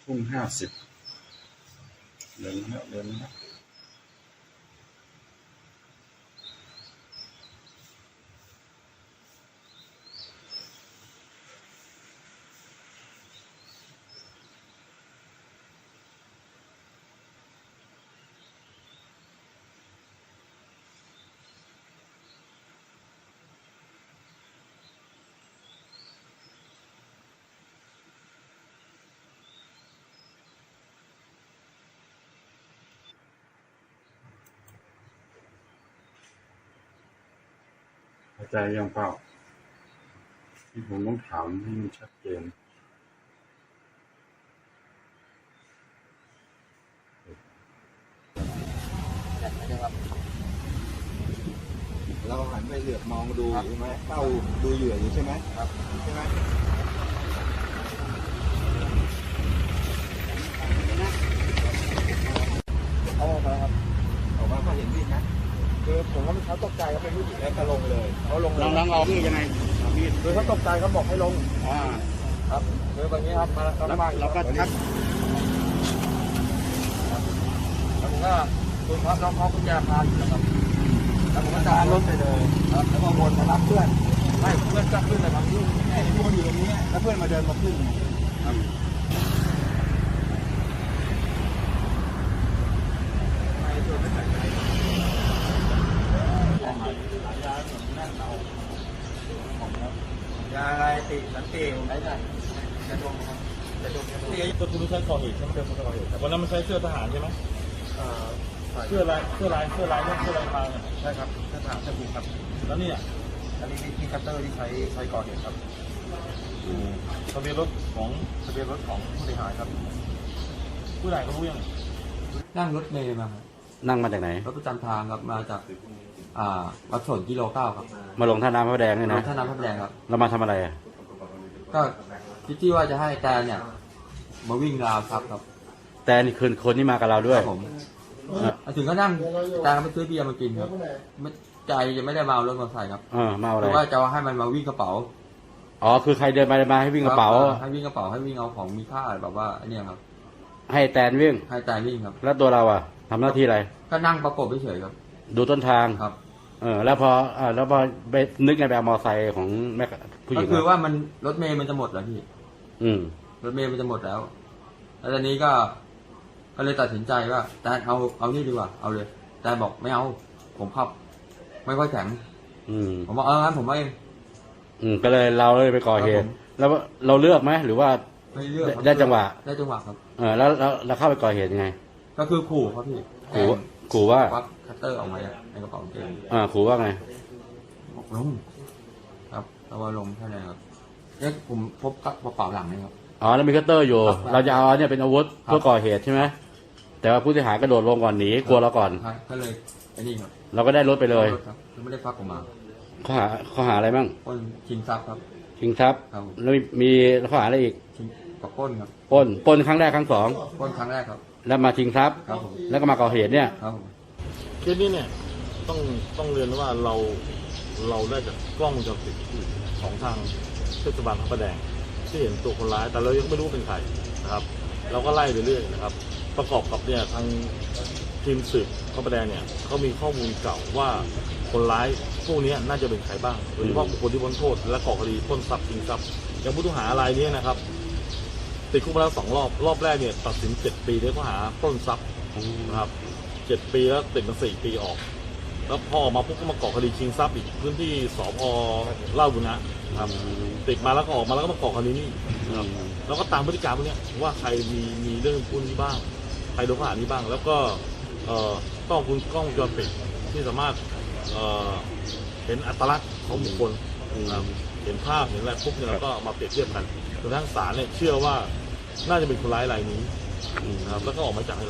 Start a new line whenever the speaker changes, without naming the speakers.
ทุ่ง50เดินนะเดินนะเข้าใจยังเปล่าที่ผมต้องถามให้มันชัดเจน
เราหันไปเหลือบมองดูใช่ไหมเฝ้าดูเหยื่ออยู่ใช่ไหมครับใช่ไหมเขาออกมาครับออกมาเขาเห็นมีดนะคือผมว่าเขาตกใจเขาเป็นผู้หญิงแล้วก็ลงเลยเขาลงเลย
ลองเอามีดยังไงมีด
คือเขาตกใจเขาบอกให้ลงครับคือแบบนี้ครับมา
แล้วก็ทัก
แล้วผมก็คุณครับน้องเขากุญแจพาอยู่นะครับแล้วผมก็จะรถไปเลยครับแล้วก็วนมารับเพื่อนไม่เพื่อนก็ขึ้นเลยครับที่ทุกคนอยู่ตรงนี้แล้วเพื่อนมาเดินมาขึ้นครับยาอะไรติสันติผมได้ไหมจะดมครับจะดม
ตัวคุณใช้ก่อเหตุใช่ไหมเป็นคนก่อเหตุแต่วันนั้นมันใช้เสื้อทหารใช่ไหมเสื้อลายเสื้อลายพรางเนี่ย
ใช่ครับทหารจะบุกครับ
แล้วนี่
อันนี้มีคัตเตอร์ที่ใช้ก่อเหตุครับ
ทะเบียนรถของ
ผู้เสียหายครับ
ผู้ใดเขารู้ยัง
นั่งรถเมล์มา
นั่งมาจากไหน
รถประจำทางครับมาจากวัดสนกิโล 9ครับ
มาลงท่าน้ำพระแดงนี่นะ
ท่าน้ำพระแดงครับ
เรามาทำอะไร
ก็คิดที่ว่าจะให้แต่เนี่ยมาวิ่งราวครับ
แต่นี่คืนคนที่มากับเราด้วย
ผมถึงก็นั่งแต่ไปซื้อเบียร์มากินครับใจจะไม่ได้มาเอารถมาใส่ครับ
มาอะไร
เพราะว่าจะให้มันมาวิ่งกระเป๋า
คือใครเดินมาให้วิ่งกระเป๋า
ให้วิ่งกระเป๋าให้วิ่งเอาของมีค่าแบบว่าเนี่ยครับ
ให้แตนวิ่ง
ครับ
แล้วตัวเราทำหน้าที่อะไร
ก็นั่งประกบเฉยๆครับ
ดูต้นทาง
ครับ
แล้วพอไปนึกไงไปเอามอไซค์ของแม่ผู้หญิง
ก็คือว่ามันรถเมล์มันจะหมดแล้วพี่รถเมล์มันจะหมดแล้วตอนนี้ก็เลยตัดสินใจว่าแต่เอานี่ดีกว่าเอาเลยแต่บอกไม่เอาผมขับไม่ค่อยแข็งผมบอกงั้นผมไม่
ก็เลยเราเลยไปก่อเหตุแล้วเราเลือกไหมหรือว่า
ไม่เลือก
ได้จังหวะ
ครับ
แล้วเราเข้าไปก่อเหตุยังไง
ก็คือขู่ครับพี่
ขู่ว่า
ควักคัตเตอร์ออกมาในกระเป๋ากางเกง
ขู่ว่าไง
บอกลงครับแล้วว่าลงแค่ไหนครับเนี่ยผมพบกระเป๋าหลังนี่ครับ
แล้วมีคัตเตอร์อยู่เราจะเอาเนี่ยเป็นอาวุธเพื่อก่อเหตุใช่ไหมแต่ว่าผู้เสียหายกระโดดลงก่อนหนีกลัวเราก่อน
ก็เลยไอ้นี่ครับ
เราก็ได้รถไปเลย
ไม่ได้ฟักออกมา
ข้อหาอะไรบ้าง
ชิงทรัพย์ครับ
ชิงทรัพย์แล้วมีข้อหาอะไรอีก
ปล้นครับ
ปล้นครั้งแรกครั้งสอง
ปล้นครั้งแรกครับ
แล้วมาชิงทรัพย์แล้วก็มาก่อเหตุเนี่ย
เคสนี้เนี่ยต้องเรียนว่าเราได้จากกล้องวงจรปิดของทางเทศบาลพระประแดงที่เห็นตัวคนร้ายแต่เรายังไม่รู้เป็นใครนะครับเราก็ไล่ไปเรื่อยนะครับประกอบกับเนี่ยทางทีมสืบพระประแดงเนี่ยเขามีข้อมูลเก่าว่าคนร้ายพวกนี้น่าจะเป็นใครบ้างโดยเฉพาะบุคคลที่พ้นโทษและก่อคดีปล้นทรัพย์ชิงทรัพย์อย่างผู้ต้องหารายนี้นะครับติดคุกมาแล้ว2 รอบแรกเนี่ยตัดสิน7 ปีด้วยข้อหาปล้นทรัพย์นะครับ7 ปีแล้วติดมา4 ปีออกแล้วพอออกมาปุ๊บก็มาก่อคดีชิงทรัพย์อีกพื้นที่สพ.เล่าบุญนะครับติดมาแล้วก็ออกมาแล้วก็มาก่อคดีนี้นะครับแล้วก็ตามพฤติการพวกนี้ว่าใครมีเรื่องพวกนี้บ้างใครโดนข้อหานี้บ้างแล้วก็กล้องวงจรปิดที่สามารถเห็นอัตลักษณ์ของบุคคลเห็นภาพเห็นอะไรปุ๊บเนี่ยเราก็มาเปรียบเทียบกันจนทั้งศาลเนี่ยเชื่อว่าน่าจะเป็นคนร้ายรายนี้นะครับแล้วก็ออกมาจากให้เรา